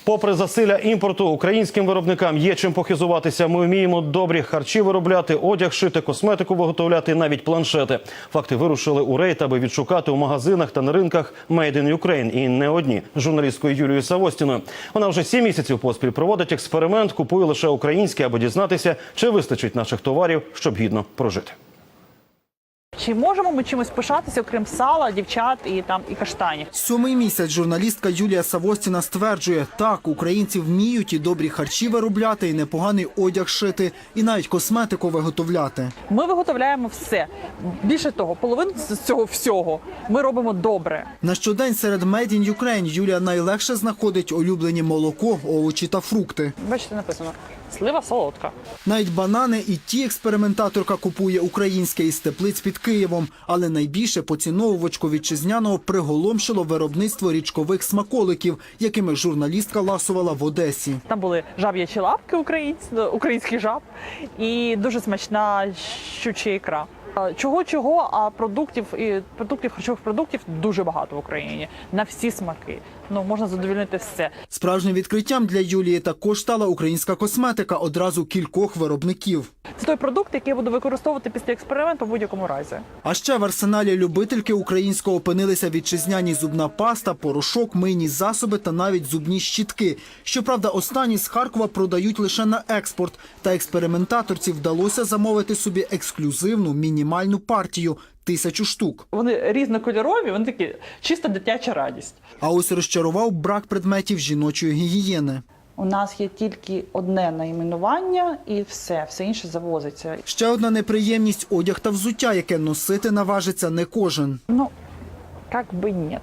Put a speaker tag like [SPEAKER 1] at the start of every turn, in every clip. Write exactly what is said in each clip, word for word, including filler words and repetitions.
[SPEAKER 1] Попри засилля імпорту, українським виробникам є чим похизуватися. Ми вміємо добрі харчі виробляти, одяг шити, косметику виготовляти, навіть планшети. Факти вирушили у рейд, аби відшукати у магазинах та на ринках «Made in Ukraine». І не одні. З журналісткою Юлією Савостіною. Вона вже сім місяців поспіль проводить експеримент, купує лише українське, аби дізнатися, чи вистачить наших товарів, щоб гідно прожити.
[SPEAKER 2] Чи можемо ми чимось пишатися, окрім сала, дівчат і там і каштанів?
[SPEAKER 3] Сьомий місяць журналістка Юлія Савостіна стверджує, так, українці вміють і добрі харчі виробляти, і непоганий одяг шити, і навіть косметику виготовляти.
[SPEAKER 2] Ми виготовляємо все. Більше того, половину з цього всього ми робимо добре.
[SPEAKER 3] На щодень серед «Made in Ukraine» Юлія найлегше знаходить улюблені молоко, овочі та фрукти.
[SPEAKER 2] Бачите, написано «слива солодка».
[SPEAKER 3] Навіть банани і ті експериментаторка купує українське із теплиць під Києвом. Але найбільше поціновувачку вітчизняного приголомшило виробництво річкових смаколиків, якими журналістка ласувала в Одесі.
[SPEAKER 2] Там були жаб'ячі лапки українські, українських жаб і дуже смачна щуча ікра. Чого-чого, а продуктів, і продуктів, харчових продуктів дуже багато в Україні. На всі смаки. Ну, можна задовольнити все.
[SPEAKER 3] Справжнім відкриттям для Юлії також стала українська косметика одразу кількох виробників.
[SPEAKER 2] Це той продукт, який я буду використовувати після експерименту в будь-якому разі.
[SPEAKER 3] А ще в арсеналі любительки українського опинилися вітчизняні зубна паста, порошок, мийні засоби та навіть зубні щітки. Щоправда, останні з Харкова продають лише на експорт. Та експериментаторці вдалося замовити собі ексклюзивну мінімальну партію – тисячу штук.
[SPEAKER 2] Вони різнокольорові, вони такі чисто дитяча радість.
[SPEAKER 3] А ось розчарував брак предметів жіночої гігієни.
[SPEAKER 2] У нас є тільки одне найменування і все, все інше завозиться.
[SPEAKER 3] Ще одна неприємність – одяг та взуття, яке носити наважиться не кожен.
[SPEAKER 2] Ну, як би ні.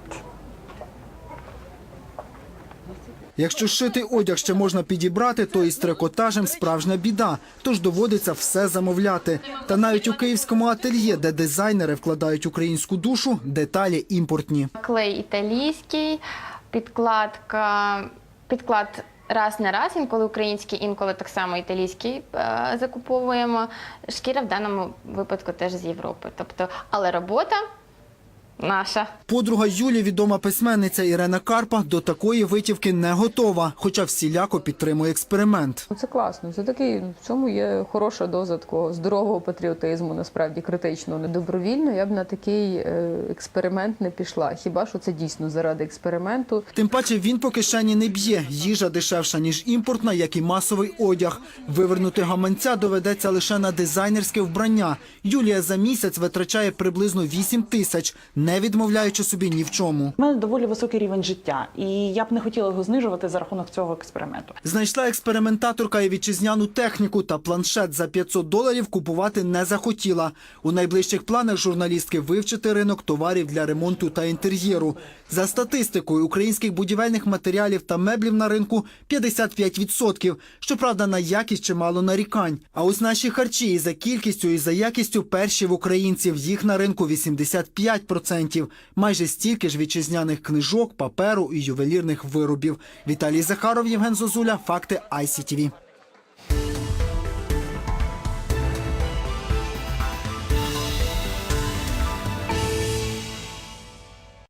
[SPEAKER 3] Якщо шитий одяг ще можна підібрати, то із трикотажем справжня біда, тож доводиться все замовляти. Та навіть у київському ательє, де дизайнери вкладають українську душу, деталі імпортні.
[SPEAKER 4] Клей італійський, підкладка, підклад раз на раз, інколи український, інколи так само італійський е, закуповуємо. Шкіра в даному випадку теж з Європи. Тобто, але робота наша.
[SPEAKER 3] Подруга Юлі, відома письменниця Ірена Карпа, до такої витівки не готова, хоча всіляко підтримує експеримент.
[SPEAKER 5] Це класно, це такий, в цьому є хороша доза такого здорового патріотизму, насправді критичного. Добровільно я б на такий експеримент не пішла, хіба що це дійсно заради експерименту.
[SPEAKER 3] Тим паче він по кишені не б'є, їжа дешевша, ніж імпортна, як і масовий одяг. Вивернути гаманця доведеться лише на дизайнерське вбрання. Юлія за місяць витрачає приблизно вісім тисяч, не відмовляючи собі ні в чому.
[SPEAKER 2] У мене доволі високий рівень життя, і я б не хотіла його знижувати за рахунок цього експерименту.
[SPEAKER 3] Знайшла експериментаторка і вітчизняну техніку, та планшет за п'ятсот доларів купувати не захотіла. У найближчих планах журналістки вивчити ринок товарів для ремонту та інтер'єру. За статистикою, українських будівельних матеріалів та меблів на ринку п'ятдесят п'ять відсотків. Щоправда, на якість чимало нарікань. А ось наші харчі і за кількістю, і за якістю перші в українців. Їх на ринку вісімдесят п'ять відсотків. Майже стільки ж вітчизняних книжок, паперу і ювелірних виробів. Віталій Захаров, Євген Зозуля. Факти ай сі ті ві.